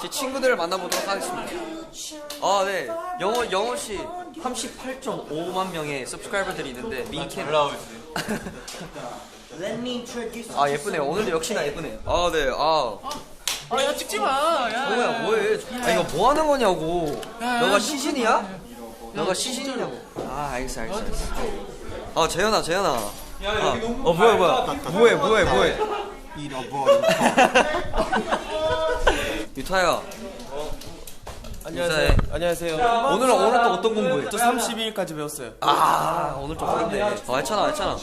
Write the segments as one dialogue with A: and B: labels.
A: 제 친구들을 만나보도록 하겠습니다. 아, 네. 영호씨 38.5만 명의 서브스크라이버들이 있는데 미케 아, 예쁘네요. 오늘도 역시나 예쁘네요. 아, 네.
B: 야 찍지마.
A: 뭐야, 뭐해. 이거 뭐 하는 거냐고. 너가 시신이야? 너가 시신이냐고. 알겠어. 재현아. 뭐해.
C: 잃어버린
A: 유타야.
C: 안녕하세요.
A: 오늘 또 어떤 공부해?
C: 저 32일까지 배웠어요.
A: 오늘 좀 어렵네. 했잖아.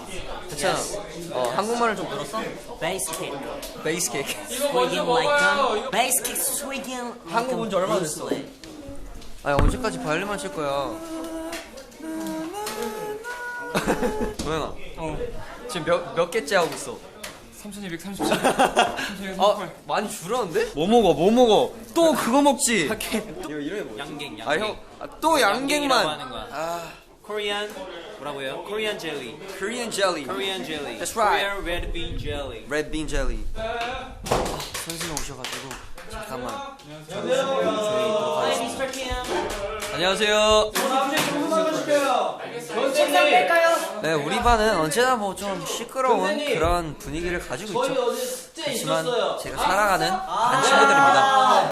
A: 한국말을 좀 들었어?
D: Base kick,
A: 베이스 케이크.
D: swinging like gun. Base kick, swinging.
A: 한국 온지 얼마 됐어? 언제까지 바이올린만 칠 거야? 도현아. 지금 몇 개째 하고 있어?
B: 3237.
A: 많이 줄었는데? 뭐 먹어? 또 그거 먹지? 이름이 뭐지?
D: 양갱.
A: 또
D: 양갱이라고
A: 양갱만.
D: 하는 거야. Korean 뭐라고요? Korean jelly.
A: Korean jelly.
D: Korean jelly.
A: That's right.
D: Korean red bean jelly.
A: Red bean jelly. 선생님 오셔가지고 잠깐만.
D: Hi, Mr. Kim.
A: 안녕하세요. 네, 우리 반은 언제나 뭐 좀 시끄러운 그런 분위기를 가지고 있죠. 하지만 제가 사랑하는 반 친구들입니다.